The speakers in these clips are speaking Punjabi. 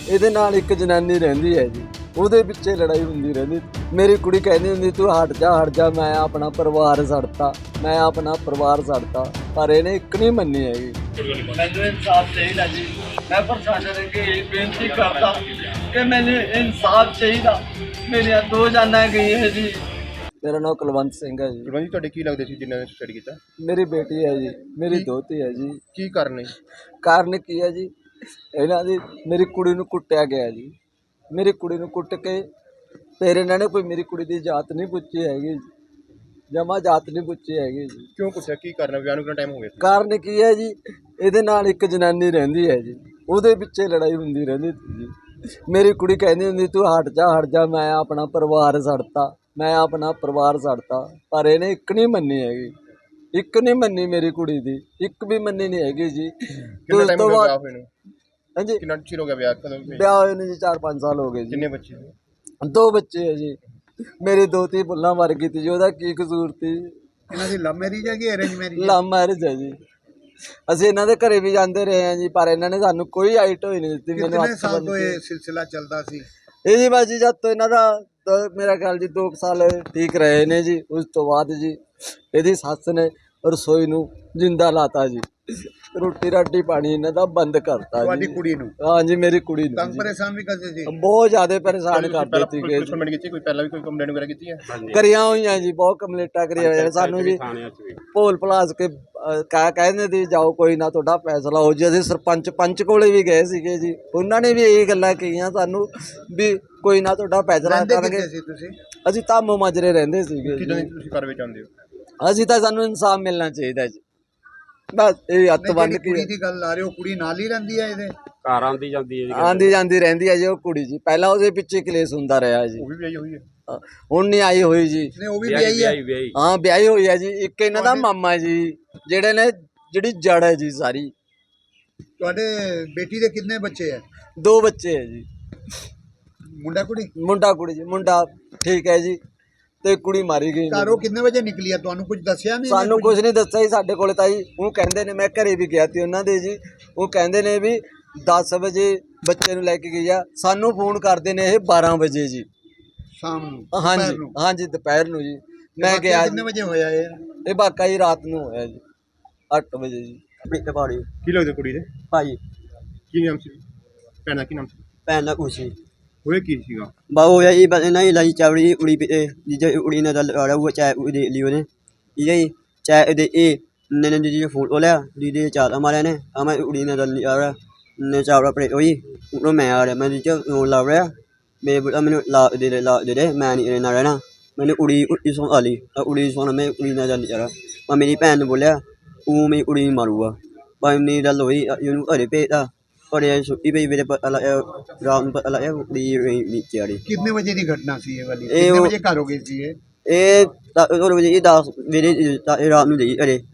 ਇਹਦੇ ਨਾਲ ਇੱਕ ਜਨਾਨੀ ਰਹਿੰਦੀ ਹੈ ਜੀ, ਉਹਦੇ ਪਿੱਛੇ ਲੜਾਈ ਹੁੰਦੀ ਰਹਿੰਦੀ। ਮੇਰੀ ਕੁੜੀ ਕਹਿੰਦੀ ਹੁੰਦੀ ਤੂੰ ਹਟ ਜਾ, ਮੈਂ ਆਪਣਾ ਪਰਿਵਾਰ ਛੱਡਤਾ, ਮੈਂ ਆਪਣਾ ਪਰਿਵਾਰ ਛੱਡਤਾ, ਪਰ ਇਹਨੇ ਇੱਕ ਨਹੀਂ ਮੰਨੀ ਹੈਗੀ। ਮੈਨੂੰ ਇਨਸਾਫ ਚਾਹੀਦਾ ਜੀ। ਮੈਂ ਪ੍ਰਸ਼ਾਸਨ ਅੱਗੇ ਬੇਨਤੀ ਕਰਦਾ ਕਿ ਮੈਨੂੰ ਇਨਸਾਫ ਚਾਹੀਦਾ। ਮੇਰੀਆਂ ਦੋ ਜਾਨਾਂ ਗਈਆਂ ਜੀ। ਮੇਰਾ ਨਾਮ ਕੁਲਵੰਤ ਸਿੰਘ ਹੈ ਜੀ। ਕੁਲਵੰਤ ਜੀ, ਤੁਹਾਡੇ ਕੀ ਲੱਗਦੇ ਸੀ ਜਿਨ੍ਹਾਂ ਨੇ ਸੁਸਾਈਡ ਕੀਤਾ? ਮੇਰੀ ਬੇਟੀ ਹੈ ਜੀ, ਮੇਰੀ ਦੋਹਤੀ ਹੈ ਜੀ। ਕੀ ਕਾਰਨ ਹੈ? ਕਾਰਨ ਕੀ ਹੈ ਜੀ, ਇਹਨਾਂ ਦੀ ਮੇਰੀ ਕੁੜੀ ਨੂੰ ਕੁੱਟਿਆ ਗਿਆ ਜੀ। ਮੇਰੀ ਕੁੜੀ ਨੂੰ ਕੁੱਟ ਕੇ ਫਿਰ ਇਹਨਾਂ ਨੇ ਕੋਈ ਮੇਰੀ ਕੁੜੀ ਦੀ ਜਾਤ ਨਹੀਂ ਪੁੱਛੀ ਹੈਗੀ, ਜਮਾ ਜਾਤ ਨਹੀਂ ਪੁੱਛੀ ਹੈਗੀ ਜੀ। ਕਿਉਂ ਪੁੱਛਿਆ? ਕੀ ਕਾਰਨ ਹੈ? ਵਿਆਹ ਨੂੰ ਕਿੰਨਾ ਟਾਈਮ ਹੋ ਗਿਆ ਸੀ? ਕਾਰਨ ਕੀ ਹੈ ਜੀ, ਇਹਦੇ ਨਾਲ ਇੱਕ ਜਨਾਨੀ ਰਹਿੰਦੀ ਹੈ ਜੀ, ਉਹਦੇ ਪਿੱਛੇ ਲੜਾਈ ਹੁੰਦੀ ਰਹਿੰਦੀ ਸੀ ਜੀ। ਮੇਰੀ ਕੁੜੀ ਕਹਿੰਦੀ ਹੁੰਦੀ ਤੂੰ ਹਟ ਜਾ, ਮੈਂ ਆਪਣਾ ਪਰਿਵਾਰ ਛੱਡਤਾ, ਮੈਂ ਆਪਣਾ ਪਰਿਵਾਰ ਛੱਡਤਾ, ਪਰ ਇਹਨੇ ਇੱਕ ਨਹੀਂ ਮੰਨੀ ਹੈਗੀ, ਇੱਕ ਨਹੀਂ ਮੰਨੀ ਮੇਰੀ ਕੁੜੀ ਦੀ, ਇੱਕ ਵੀ ਮੰਨੀ ਨਹੀਂ ਹੈਗੀ ਜੀ। ਕਿੰਨਾ ਟਾਈਮ ਹੋ ਗਿਆ ਵਿਆਹ ਹੋਏ ਨੂੰ? ਹਾਂਜੀ, ਕਿੰਨਾ ਚਿਰ ਹੋ ਗਿਆ ਵਿਆਹ? ਕਦੋਂ ਹੋਇਆ? ਵਿਆਹ ਹੋਏ ਨੂੰ ਜੀ 4-5 ਸਾਲ ਹੋ ਗਏ ਜੀ। ਕਿੰਨੇ ਬੱਚੇ? 2 ਬੱਚੇ ਹੈ ਜੀ। ਮੇਰੀ ਦੋਤੀ ਬੁੱਲਾਂ ਮਰ ਗਈ ਤੀ ਜੀ, ਉਹਦਾ ਕੀ ਕਸੂਰ ਤੀ? ਇਹਨਾਂ ਦੀ ਲਵ ਮੈਰਿਜ ਹੈ ਕਿ ਅਰੇਂਜ ਮੈਰਿਜ? ਲਵ ਮੈਰਿਜ ਹੈ ਜੀ। ਅਸੀਂ ਇਹਨਾਂ ਦੇ ਘਰੇ ਵੀ ਜਾਂਦੇ ਰਹੇ ਹਾਂ ਜੀ, ਪਰ ਇਹਨਾਂ ਨੇ ਸਾਨੂੰ ਕੋਈ ਆਈਟ ਹੋਈ ਨਹੀਂ ਦਿੱਤੀ। ਮੈਨੂੰ ਕਿੰਨੇ ਸਾਲ ਤੋਂ ਇਹ ਸਿਲਸਿਲਾ ਚੱਲਦਾ ਸੀ? ਇਹ ਜੀ ਬਸ ਜੀ ਜਦ ਤੋਂ ਇਹਨਾਂ ਦਾ ਮੇਰਾ ਖਿਆਲ ਜੀ 2 ਸਾਲ ਠੀਕ ਰਹੇ ਨੇ ਜੀ। ਉਸ ਤੋਂ ਬਾਅਦ ਜੀ ਇਹਦੀ ਸੱਸ ਨੇ ਰਸੋਈ ਨੂੰ ਜਿੰਦਾ ਲਾਤਾ ਜੀ, ਰੋਟੀ ਰਾਟੀ ਪਾਣੀ ਇਹਨਾਂ ਦਾ ਬੰਦ ਕਰਤਾ ਤੁਹਾਡੀ ਜੀ। ਕੁੜੀ ਨੂੰ? ਹਾਂ ਜੀ, ਮੇਰੀ ਕੁੜੀ ਨੂੰ ਤੰਗ ਜੀ ਪਰੇਸ਼ਾਨ ਵੀ ਕਰਦੇ ਸੀ? ਬਹੁਤ ਜ਼ਿਆਦਾ ਪਰੇਸ਼ਾਨ ਕਰਦੇ ਸੀਗੇ। ਕੰਪਲੇਂਟ ਕੀਤੀ? ਕੋਈ ਪਹਿਲਾਂ ਵੀ ਕੋਈ ਕੰਪਲੇਂਟ ਵਗੈਰਾ ਕੀਤੀ ਹੈ? ਕਰੀਆਂ ਹੋਈਆਂ ਜੀ, ਬਹੁਤ ਕੰਪਲੇਂਟਾਂ ਕਰੀਆਂ ਹੋਈਆਂ ਸਾਨੂੰ ਜੀ। ਭੋਲ ਭਲਾਸ ਕੇ ਕਹਿੰਦੇ ਸੀ ਜਾਓ, ਕੋਈ ਨਾ ਤੁਹਾਡਾ ਫੈਸਲਾ ਹੋ ਜੀ। ਅਸੀਂ ਸਰਪੰਚ ਪੰਚ ਕੋਲੇ ਵੀ ਗਏ ਸੀਗੇ ਜੀ, ਉਹਨਾਂ ਨੇ ਵੀ ਇਹ ਗੱਲਾਂ ਕਹੀਆਂ ਸਾਨੂੰ ਵੀ ਕੋਈ ਨਾ ਤੁਹਾਡਾ ਫੈਸਲਾ ਕਰਾਂਗੇ। ਤੁਸੀਂ ਅਸੀਂ ਧਾਮੋ ਮਾਜਰੇ ਰਹਿੰਦੇ ਸੀਗੇ ਕਿਦਾਂ ਜੀ। ਦੀ ਤੁਸੀਂ ਕਾਰਵਾਈ ਚਾਹੁੰਦੇ ਹੋ? ਅਸੀਂ ਤਾਂ ਸਾਨੂੰ ਇਨਸਾਫ ਮਿਲਣਾ ਚਾਹੀਦਾ ਜੀ, ਬਸ ਇਹ ਹੱਥ ਬੰਨ ਕੇ। ਕੁੜੀ ਦੀ ਗੱਲ ਆ ਰਹੀ, ਉਹ ਕੁੜੀ ਨਾਲ ਹੀ ਰਹਿੰਦੀ ਹੈ ਇਹਦੇ? ਘਰ ਆਉਂਦੀ ਜਾਂਦੀ ਹੈ ਜੀ, ਆਂਦੀ ਜਾਂਦੀ ਰਹਿੰਦੀ ਹੈ ਜੀ ਉਹ ਕੁੜੀ ਜੀ। ਪਹਿਲਾਂ ਉਹਦੇ ਪਿੱਛੇ ਕਲੇਸ਼ ਹੁੰਦਾ ਰਿਹਾ ਜੀ, ਉਹ ਵੀ ਵਿਆਹੀ ਹੋਈ ਹੈ? ਹੁਣ ਨਹੀਂ ਆਈ ਹੋਈ ਜੀ। ਨਹੀਂ, ਉਹ ਵੀ ਵਿਆਹੀ ਹੈ? ਵਿਆਹੀ ਹਾਂ ਵਿਆਹੀ ਹੋਈ ਹੈ ਜੀ। ਇੱਕ ਇਹਨਾਂ ਦਾ ਮਾਮਾ ਜੀ, ਜਿਹੜੇ ਨੇ ਜਿਹੜੀ ਜੜ ਹੈ ਜੀ ਸਾਰੀ। ਤੁਹਾਡੇ ਬੇਟੀ ਦੇ ਕਿੰਨੇ ਬੱਚੇ ਹੈ? 2 ਬੱਚੇ ਹੈ ਜੀ, ਮੁੰਡਾ ਕੁੜੀ? ਮੁੰਡਾ ਕੁੜੀ ਜੀ। ਮੁੰਡਾ ਠੀਕ ਹੈ ਜੀ, ਤੇ ਕੁੜੀ ਮਾਰੀ ਗਈ। ਘਰੋਂ ਕਿੰਨੇ ਵਜੇ ਨਿਕਲੀ ਹੈ? ਤੁਹਾਨੂੰ ਕੁਝ ਦੱਸਿਆ ਨਹੀਂ? ਸਾਨੂੰ ਕੁਝ ਨਹੀਂ ਦੱਸਿਆ ਜੀ ਸਾਡੇ ਕੋਲ ਤਾਂ ਜੀ। ਉਹ ਕਹਿੰਦੇ ਨੇ, ਮੈਂ ਘਰੇ ਵੀ ਗਿਆ ਸੀ ਉਹਨਾਂ ਦੇ ਜੀ, ਉਹ ਕਹਿੰਦੇ ਨੇ ਵੀ 10 ਵਜੇ ਬੱਚੇ ਨੂੰ ਲੈ ਕੇ ਗਈ ਆ। ਸਾਨੂੰ ਫੋਨ ਕਰਦੇ ਨੇ ਇਹ 12 ਵਜੇ ਜੀ, ਸ਼ਾਮ ਨੂੰ? ਹਾਂਜੀ ਦੁਪਹਿਰ ਨੂੰ? ਹਾਂਜੀ ਦੁਪਹਿਰ ਨੂੰ ਜੀ। ਮੈਂ ਵਾਕਿਆ ਗਿਆ ਕਿੰਨੇ ਵਜੇ ਹੋਇਆ ਇਹ? ਇਹ ਵਾਕਾ ਜੀ ਰਾਤ ਨੂੰ ਹੋਇਆ ਜੀ 8 ਵਜੇ ਜੀ। ਪਹਾੜੀ ਕੀ ਲੱਗਦਾ ਕੁੜੀ ਦੇ? ਭਾਈ ਕੀ ਨਾਮ ਸੀ? ਭੈਣ ਦਾ ਕੀ ਨਾਮ ਸੀ? ਭੈਣ ਦਾ ਕੁਛ ਹੋਇਆ ਕੀ ਸੀਗਾ? ਬਾਹੂ ਹੋਇਆ ਜੀ, ਬਸ ਇਹਨਾਂ ਹੀ ਲਾਈ ਚਾਵੜੀ ਉੜੀ ਜੇ ਉੜੀ ਨਾ ਦਲ ਆ ਉਹ ਚਾਹ ਉੜੀ ਲਈ ਉਹਨੇ ਇਹ ਚਾਹ ਦੇ ਇਹ ਨੇ ਜੀ ਫੋਟੋ ਲਿਆ ਦੀਦੀ ਚਾਹ ਮਾਰਿਆ ਨੇ ਆ ਮੈਂ ਉੜੀ ਨਾ ਦਲ ਆ ਰਿਹਾ ਨੇ ਚਾਵੜਾ ਪੜੇ ਹੋਈ ਉਹ ਮੈਂ ਆ ਰਿਹਾ ਮੈਂ ਜੀ ਉਹ ਲਾ ਰਿਹਾ ਮੈਂ ਮੈਨੂੰ ਲਾ ਦੇ ਮੈਂ ਨਹੀਂ ਰਹਿਣਾ ਰਹਿਣਾ ਮੈਨੂੰ ਉੜੀ ਸੋਣ ਆਲੀ ਉੜੀ ਸੋਣ ਮੈਂ ਉੜੀ ਨਾ ਦਲ ਆ ਰਿਹਾ ਮੈਂ ਮੇਰੀ ਭੈਣ ਨੂੰ ਬੋਲਿਆ ਉਹ ਮੈਂ ਉੜੀ ਮਾਰੂਗਾ ਪਰ ਨਹੀਂ ਗੱਲ ਹੋਈ ਇਹਨੂੰ ਘਰੇ ਭੇਜਦਾ और ये छुट्टी पे मेरे रात में पता लगा नीचे आ रही। कितने बजे की घटना सी ये वाली? ये कितने वो- बजे घर हो गई थी ये? और बजे 10 मेरे रात में गई अरे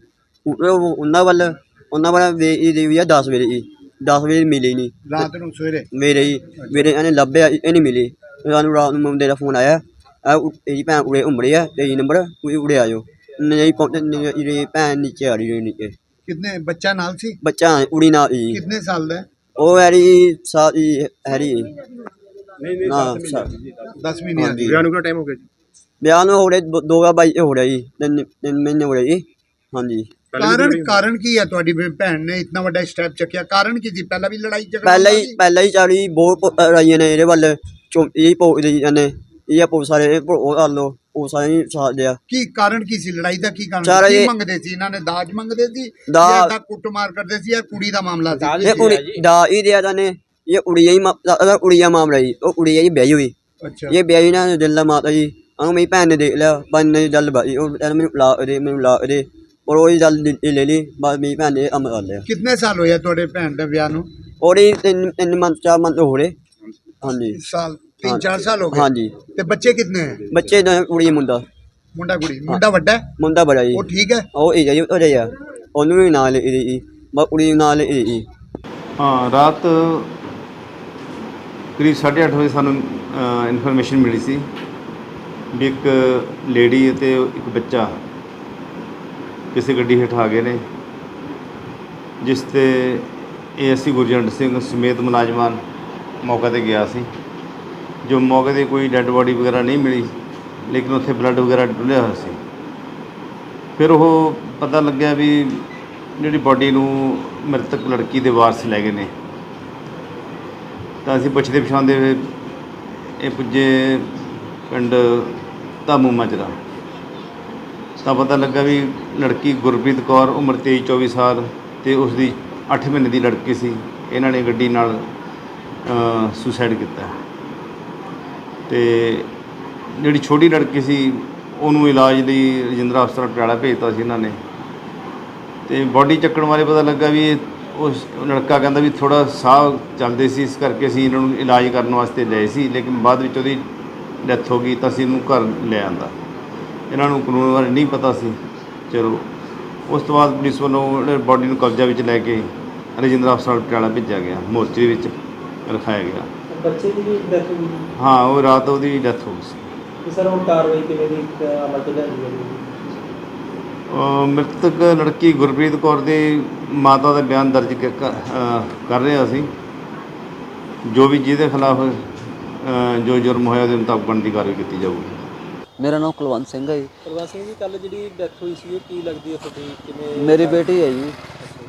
उन्होंने वाला वे 10 बजे 10 बजे मिली नहीं रात ਨੂੰ ਸਵੇਰੇ? मेरे इन्हें लभ्या ये नहीं मिली सानू रात में मुंडे का फोन आया तेरी भैन उड़े उमड़ी है 23 नंबर उड़े आयो नहीं पहुंचे भैन नीचे आ रही नीचे कितने बच्चा नाल सी? बच्चा उड़ी ना कितने साल ਦਾ? ਉਹ ਹੈਰੀ ਸਾਰੀ ਹੈਰੀ ਨਹੀਂ ਨਾ 10ਵੀਂ ਨਹੀਂ ਆਦੀ? ਵਿਆਹ ਨੂੰ ਕਿੰਨਾ ਟਾਈਮ ਹੋ ਗਿਆ ਜੀ? ਵਿਆਹ ਨੂੰ ਹੋ ਰਹੇ 2022 ਹੋ ਰਿਹਾ ਜੀ 3 ਮਹੀਨੇ ਹੋ ਰਹੇ ਜੀ ਹਾਂਜੀ ਕਾਰਨ ਕੀ ਹੈ? ਤੁਹਾਡੀ ਭੈਣ ਨੇ ਇਤਨਾ ਵੱਡਾ ਸਟੈਪ ਚੱਕਿਆ, ਕਾਰਨ ਕੀ ਸੀ? ਪਹਿਲਾਂ ਵੀ ਲੜਾਈ ਝਗੜਾ ਪਹਿਲਾਂ ਹੀ ਚਾਲੀ ਬਹੁਤ ਰਾਈਆਂ ਨੇ ਇਹਦੇ ਵੱਲ ਇਹ ਪੋਦੇ ਜਾਂਦੇ ਇਹ ਪੋ ਸਾਰੇ ਉਹ ਕਰ ਲੋ ਉਹ ਸਾਰੇ ਸਾਥ ਦਿਆ ਕੀ ਕਾਰਨ ਕੀ ਸੀ? ਲੜਾਈ ਦਾ ਕੀ ਕਾਰਨ ਚਾਰ ਸੀ? ਕੀ ਇਹ- ਮੰਗਦੇ ਸੀ? ਇਹਨਾਂ ਨੇ ਦਾਜ ਮੰਗਦੇ ਸੀ ਦਾਜ- ਜਾਂ ਕੁੱਟਮਾਰ ਕਰਦੇ ਸੀ ਜਾਂ ਕੁੜੀ ਦਾ ਮਾਮਲਾ ਸੀ? ਇਹ ਕੁੜੀ ਦਾ ਹੀ ਦਿਆ ਜਾਨੇ ਇਹ ਉੜੀਆ ਮਾਮਲਾ ਜੀ ਉਹ ਉੜੀਆ ਜੀ ਵਿਆਹੀ ਹੋਈ ਅੱਛਾ, ਇਹ ਵਿਆਹੀ ਨਾ ਦਿਲ ਦਾ ਮਾਤਾ ਜੀ ਉਹਨੂੰ ਮੇਰੀ ਭੈਣ ਨੇ ਦੇਖ ਲਿਆ ਬੰਨ ਨੇ ਗੱਲ ਬਾਈ ਉਹ ਮੈਨੂੰ ਲਾ ਦੇ ਔਰ ਉਹ ਗੱਲ ਲੈ ਲਈ ਬਾਅਦ ਮੇਰੀ ਭੈਣ ਨੇ ਅਮਰ ਕਰ ਲਿਆ। ਕਿੰਨੇ ਸਾਲ ਹੋਇਆ ਤੁਹਾਡੇ ਭੈਣ ਦੇ ਵਿਆਹ ਨੂੰ? ਉਹਦੀ 3 ਮੰਥ 4 ਮੰਥ ਹੋ ਰਹੇ ਹਾਂਜੀ ਸਾਲ 3-4 ਸਾਲ ਹੋ ਗਏ? ਹਾਂਜੀ ਤੇ ਬੱਚੇ ਕਿੰਨੇ ਹੈ? ਬੱਚੇ ਦਾ ਕੁੜੀ ਮੁੰਡਾ ਮੁੰਡਾ ਕੁੜੀ? ਮੁੰਡਾ ਵੱਡਾ ਹੈ? ਮੁੰਡਾ ਬੜਾ ਜੀ ਉਹ ਠੀਕ ਹੈ? ਉਹ ਇਹ ਜੀ ਉਹ ਰਿਹਾ ਉਹਨੂੰ ਵੀ ਨਾਲ ਇਹਦੀ ਕੁੜੀ ਨਾਲ ਇਹਦੀ ਹਾਂ ਰਾਤ ਕਰੀਬ 8:30 ਵਜੇ ਸਾਨੂੰ ਇਨਫੋਰਮੇਸ਼ਨ ਮਿਲੀ ਸੀ ਵੀ ਇੱਕ ਲੇਡੀ ਅਤੇ ਇੱਕ ਬੱਚਾ ਕਿਸੇ ਗੱਡੀ ਹੇਠ ਆ ਗਏ ਨੇ ਜਿਸ 'ਤੇ ਏਐਸਸੀ ਗੁਰਜੰਟ ਸਿੰਘ ਸਮੇਤ ਮੁਲਾਜ਼ਮਾਨ ਮੌਕੇ 'ਤੇ ਗਿਆ ਸੀ। ਜੋ ਮੌਕੇ 'ਤੇ ਕੋਈ ਡੈੱਡ ਬੋਡੀ ਵਗੈਰਾ ਨਹੀਂ ਮਿਲੀ, ਲੇਕਿਨ ਉੱਥੇ ਬਲੱਡ ਵਗੈਰਾ ਡੁੱਲਿਆ ਹੋਇਆ ਸੀ। ਫਿਰ ਉਹ ਪਤਾ ਲੱਗਿਆ ਵੀ ਜਿਹੜੀ ਬੋਡੀ ਨੂੰ ਮ੍ਰਿਤਕ ਲੜਕੀ ਦੇ ਵਾਰਸ ਲੈ ਗਏ ਨੇ। ਤਾਂ ਅਸੀਂ ਪੁੱਛਦੇ ਪਛਾਣਦੇ ਹੋਏ ਇਹ ਪੁੱਜੇ ਪਿੰਡ ਧਾਮੂ ਮਾਜਰਾ, ਤਾਂ ਪਤਾ ਲੱਗਾ ਵੀ ਲੜਕੀ ਗੁਰਪ੍ਰੀਤ ਕੌਰ ਉਮਰ 23-24 ਸਾਲ ਅਤੇ ਉਸ ਦੀ 8 ਮਹੀਨੇ ਦੀ ਲੜਕੀ ਸੀ। ਇਹਨਾਂ ਨੇ ਗੱਡੀ ਨਾਲ ਸੁਸਾਈਡ ਕੀਤਾ। ਅਤੇ ਜਿਹੜੀ ਛੋਟੀ ਲੜਕੀ ਸੀ ਉਹਨੂੰ ਇਲਾਜ ਲਈ ਰਜਿੰਦਰਾ ਹਸਪਤਾਲ ਪਟਿਆਲਾ ਭੇਜਤਾ ਸੀ ਇਹਨਾਂ ਨੇ। ਅਤੇ ਬੋਡੀ ਚੱਕਣ ਬਾਰੇ ਪਤਾ ਲੱਗਾ ਵੀ ਉਸ ਲੜਕਾ ਕਹਿੰਦਾ ਵੀ ਥੋੜ੍ਹਾ ਸਾਹ ਚੱਲਦੇ ਸੀ, ਇਸ ਕਰਕੇ ਅਸੀਂ ਇਹਨਾਂ ਨੂੰ ਇਲਾਜ ਕਰਨ ਵਾਸਤੇ ਲਏ ਸੀ, ਲੇਕਿਨ ਬਾਅਦ ਵਿੱਚ ਉਹਦੀ ਡੈਥ ਹੋ ਗਈ ਤਾਂ ਅਸੀਂ ਇਹਨੂੰ ਘਰ ਲੈ ਆਂਦਾ। ਇਹਨਾਂ ਨੂੰ ਕਾਨੂੰਨ ਬਾਰੇ ਨਹੀਂ ਪਤਾ ਸੀ। ਚਲੋ ਉਸ ਤੋਂ ਬਾਅਦ ਪੁਲਿਸ ਵੱਲੋਂ ਬੋਡੀ ਨੂੰ ਕਬਜ਼ਾ ਵਿੱਚ ਲੈ ਕੇ ਰਜਿੰਦਰਾ ਹਸਪਤਾਲ ਪਟਿਆਲਾ ਭੇਜਿਆ ਗਿਆ, ਮੋਰਚਰੀ ਵਿੱਚ ਰਖਾਇਆ ਗਿਆ। ਬੱਚੇ ਦੀ ਵੀ ਡੈਥ ਹੋ ਗਈ ਹਾਂ, ਉਹ ਰਾਤ ਉਹਦੀ ਡੈਥ ਹੋ ਗਈ ਸੀ। ਤੇ ਸਰ ਹੁਣ ਕਾਰਵਾਈ ਕਿਵੇਂ ਦੀ ਅਮਲ ਚ ਲਿਆਂਦੀ ਹੈ? ਮ੍ਰਿਤਕ ਲੜਕੀ ਗੁਰਪ੍ਰੀਤ ਕੌਰ ਦੇ ਮਾਤਾ ਦਾ ਬਿਆਨ ਦਰਜ ਕਰ ਰਹੇ ਅਸੀਂ। ਜੋ ਵੀ ਜਿਹਦੇ ਖਿਲਾਫ ਜੋ ਜੁਰਮ ਹੋਇਆ ਉਹਦੇ ਮੁਤਾਬਕ ਬਣਦੀ ਕਾਰਵਾਈ ਕੀਤੀ ਜਾਊਗੀ। ਮੇਰਾ ਨਾਮ ਕੁਲਵੰਤ ਸਿੰਘ ਹੈ ਜੀ। ਪ੍ਰਵਾਸ ਸਿੰਘ ਜੀ, ਕੱਲ ਜਿਹੜੀ ਡੈਥ ਹੋਈ ਸੀ ਉਹ ਕੀ ਲੱਗਦੀ ਹੈ ਤੁਹਾਡੀ? ਕਿਵੇਂ? ਮੇਰੀ ਬੇਟੀ ਹੈ ਜੀ,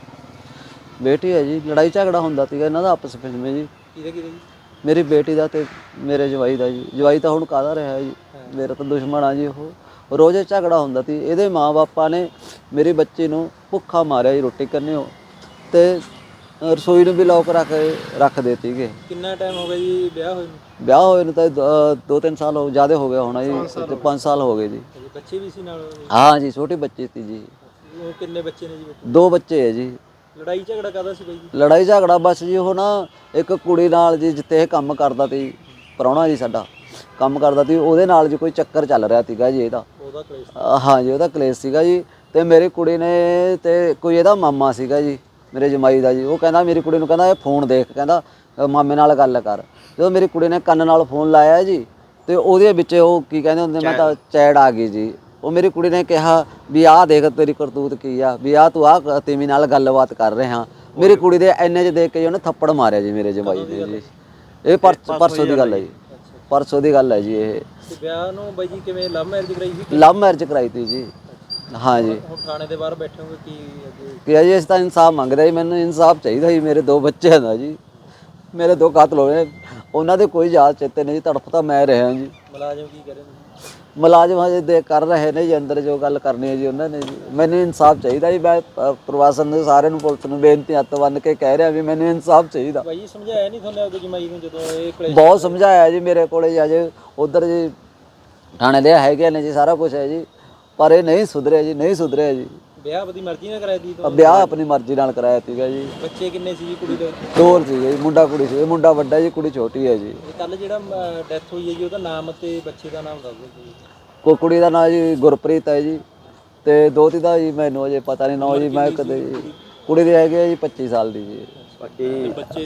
ਬੇਟੀ ਹੈ ਜੀ। ਲੜਾਈ ਝਗੜਾ ਹੁੰਦਾ ਸੀਗਾ ਇਹਨਾਂ ਦਾ ਆਪਸ ਵਿੱਚ ਜੀ। ਕਿਹਦਾ ਜੀ? ਮੇਰੀ ਬੇਟੀ ਦਾ ਤੇ ਮੇਰੇ ਜਵਾਈ ਦਾ ਜੀ। ਜਵਾਈ ਤਾਂ ਹੁਣ ਕਾਹਦਾ ਰਿਹਾ ਜੀ, ਮੇਰਾ ਤਾਂ ਦੁਸ਼ਮਣ ਆ ਜੀ। ਉਹ ਰੋਜ਼ ਝਗੜਾ ਹੁੰਦਾ ਸੀ। ਇਹਦੇ ਮਾਂ-ਬਾਪਾਂ ਨੇ ਮੇਰੀ ਬੱਚੀ ਨੂੰ ਭੁੱਖਾ ਮਾਰਿਆ ਜੀ ਰੋਟੀ ਕਰਨਿਓ, ਅਤੇ ਰਸੋਈ ਨੂੰ ਵੀ ਲੋਕ ਰੱਖ ਦੇ ਸੀਗੇ। ਕਿੰਨਾ ਟਾਈਮ ਹੋ ਗਿਆ ਜੀ ਵਿਆਹ ਹੋਏ ਨੂੰ? ਵਿਆਹ ਹੋਏ ਨੂੰ ਤਾਂ 2-3 ਸਾਲ ਜ਼ਿਆਦਾ ਹੋ ਗਿਆ ਹੋਣਾ ਜੀ, 5 ਸਾਲ ਹੋ ਗਏ ਜੀ। ਬੱਚੇ ਵੀ ਸੀ ਨਾਲ? ਹਾਂ ਜੀ, ਛੋਟੀ ਬੱਚੀ ਸੀ ਜੀ। ਉਹ ਕਿੰਨੇ ਬੱਚੇ ਨੇ ਜੀ? 2 ਬੱਚੇ ਹੈ ਜੀ। ਲੜਾਈ ਝਗੜਾ ਕਾਹਦਾ ਸੀ ਬਾਈ ਜੀ? ਲੜਾਈ ਝਗੜਾ ਬਸ ਜੀ ਉਹ ਨਾ ਇੱਕ ਕੁੜੀ ਨਾਲ ਜੀ, ਜਿੱਥੇ ਇਹ ਕੰਮ ਕਰਦਾ ਸੀ, ਪ੍ਰਾਹੁਣਾ ਜੀ ਸਾਡਾ ਕੰਮ ਕਰਦਾ ਸੀ, ਉਹਦੇ ਨਾਲ ਜੀ ਕੋਈ ਚੱਕਰ ਚੱਲ ਰਿਹਾ ਸੀਗਾ ਜੀ ਇਹਦਾ। ਉਹਦਾ ਕਲੇਸ਼? ਹਾਂ ਜੀ, ਉਹਦਾ ਕਲੇਸ਼ ਸੀਗਾ ਜੀ। ਅਤੇ ਮੇਰੀ ਕੁੜੀ ਨੇ ਅਤੇ ਕੋਈ ਇਹਦਾ ਮਾਮਾ ਸੀਗਾ ਜੀ, ਮੇਰੇ ਜਮਾਈ ਦਾ ਜੀ। ਉਹ ਕਹਿੰਦਾ ਮੇਰੀ ਕੁੜੀ ਨੂੰ, ਕਹਿੰਦਾ ਇਹ ਫੋਨ ਦੇਖ, ਕਹਿੰਦਾ ਮਾਮੇ ਨਾਲ ਗੱਲ ਕਰ। ਜਦੋਂ ਮੇਰੀ ਕੁੜੀ ਨੇ ਕੰਨ ਨਾਲ ਫੋਨ ਲਾਇਆ ਜੀ, ਅਤੇ ਉਹਦੇ ਵਿੱਚ ਉਹ ਕੀ ਕਹਿੰਦੇ ਹੁੰਦੇ, ਮੈਂ ਤਾਂ ਚੈੜ ਆ ਗਈ ਜੀ। ਉਹ ਮੇਰੀ ਕੁੜੀ ਨੇ ਕਿਹਾ ਵੀ ਆਹ ਦੇਖ ਤੇਰੀ ਕਰਤੂਤ ਕੀ ਆ, ਵੀ ਆਹ ਤੂੰ ਆਹ ਤੀਵੀਂ ਨਾਲ ਗੱਲਬਾਤ ਕਰ ਰਿਹਾ। ਮੇਰੀ ਕੁੜੀ ਦੇ ਇੰਨੇ 'ਚ ਦੇਖ ਕੇ ਜੀ ਉਹਨੇ ਥੱਪੜ ਮਾਰਿਆ ਜੀ ਮੇਰੇ ਜਮਾਈ ਨੇ ਜੀ। ਇਹ ਪਰਸੋਂ ਦੀ ਗੱਲ ਹੈ ਜੀ, ਪਰਸੋਂ ਦੀ ਗੱਲ ਹੈ ਜੀ। ਇਹ ਤੇ ਵਿਆਹ ਨੂੰ ਬਾਈ ਜੀ ਕਿਵੇਂ ਲਵ ਮੈਰਿਜ ਕਰਾਈ ਸੀ? ਲਵ ਮੈਰਿਜ ਕਰਾਈ ਤੀ ਜੀ। ਹਾਂ ਜੀ। ਹੁਣ ਥਾਣੇ ਦੇ ਬਾਹਰ ਬੈਠੇ ਹੋਗੇ, ਕੀ ਅੱਗੇ? ਕਿ ਜੀ ਅਸੀਂ ਤਾਂ ਇਨਸਾਫ ਮੰਗਦੇ ਜੀ। ਮੈਨੂੰ ਇਨਸਾਫ ਚਾਹੀਦਾ ਜੀ। ਮੇਰੇ 2 ਬੱਚੇ ਹਨ ਜੀ, ਮੇਰੇ 2 ਕਾਤਲ ਹੋਏ, ਉਹਨਾਂ ਦੇ ਕੋਈ ਯਾਦ ਚੇਤੇ ਨਹੀਂ ਜੀ। ਤੜਫ ਤਾਂ ਮੈਂ ਰਿਹਾ ਜੀ। ਮੁਲਾਜ਼ਮ ਕੀ ਕਰੇ? ਮੁਲਾਜ਼ਮ ਹਜੇ ਕਰ ਰਹੇ ਨੇ ਜੀ ਅੰਦਰ, ਜੋ ਗੱਲ ਕਰਨੀ ਹੈ ਜੀ ਉਹਨਾਂ ਨੇ ਜੀ। ਮੈਨੂੰ ਇਨਸਾਫ ਚਾਹੀਦਾ ਜੀ। ਮੈਂ ਪ੍ਰਵਾਸਨ ਦੇ ਸਾਰਿਆਂ ਨੂੰ, ਪੁਲਿਸ ਨੂੰ ਬੇਨਤੀ ਹੱਥ ਬੰਨ੍ਹ ਕੇ ਕਹਿ ਰਿਹਾ ਵੀ ਮੈਨੂੰ ਇਨਸਾਫ ਚਾਹੀਦਾ। ਬਾਈ ਜੀ ਸਮਝਾਇਆ ਨਹੀਂ ਤੁਹਾਨੂੰ ਆਪਣੀ ਜਮਾਈ ਨੂੰ ਜਦੋਂ ਇਹ ਕਲੇਸ਼? ਬਹੁਤ ਸਮਝਾਇਆ ਜੀ। ਮੇਰੇ ਕੋਲੇ ਜੀ ਅਜੇ ਉੱਧਰ ਜੀ ਥਾਣੇ ਦੇ ਹੈਗੇ ਨੇ ਜੀ, ਸਾਰਾ ਕੁਝ ਹੈ ਜੀ, ਪਰ ਇਹ ਨਹੀਂ ਸੁਧਰਿਆ ਜੀ, ਨਹੀਂ ਸੁਧਰਿਆ ਜੀ। ਵਿਆਹ ਆਪਣੀ ਮਰਜ਼ੀ ਨਾਲ ਕਰਾਇਆ ਸੀ? ਵਿਆਹ ਆਪਣੀ ਮਰਜ਼ੀ ਨਾਲ ਕਰਾਇਆ ਸੀਗਾ ਜੀ। ਬੱਚੇ ਕਿੰਨੇ ਸੀ ਜੀ ਕੁੜੀ ਦੇ? 2 ਸੀਗੇ ਜੀ, ਮੁੰਡਾ ਕੁੜੀ ਸੀ। ਮੁੰਡਾ ਵੱਡਾ ਜੀ, ਕੁੜੀ ਛੋਟੀ ਹੈ ਜੀ। ਕੱਲ ਜਿਹੜਾ ਡੈਥ ਹੋਈ ਹੈ ਜੀ, ਉਹਦਾ ਨਾਮ ਤੇ ਬੱਚੇ ਦਾ ਨਾਮ ਦੱਸ ਦਿਓ ਜੀ। ਕੋਈ ਕੁੜੀ ਦਾ ਨਾਂ ਜੀ ਗੁਰਪ੍ਰੀਤ ਹੈ ਜੀ, ਅਤੇ ਦੋਤੀ ਦਾ ਜੀ ਮੈਨੂੰ ਅਜੇ ਪਤਾ ਨਹੀਂ ਨਾਂ ਜੀ। ਮੈਂ ਕਦੇ ਜੀ, ਕੁੜੀ ਦੇ ਹੈਗੇ ਜੀ 25 ਸਾਲ ਦੀ ਜੀ। ਬੱਚੇ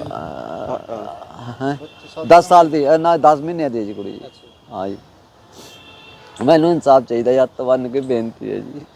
10 ਸਾਲ ਦੀ ਨਾ 10 ਮਹੀਨਿਆਂ ਦੀ ਹੈ ਜੀ ਕੁੜੀ ਜੀ। ਹਾਂ ਜੀ। ਮੈਨੂੰ ਇਨਸਾਫ ਚਾਹੀਦਾ ਜੀ, ਹੱਥ ਬੰਨ੍ਹ ਕੇ ਬੇਨਤੀ ਹੈ ਜੀ।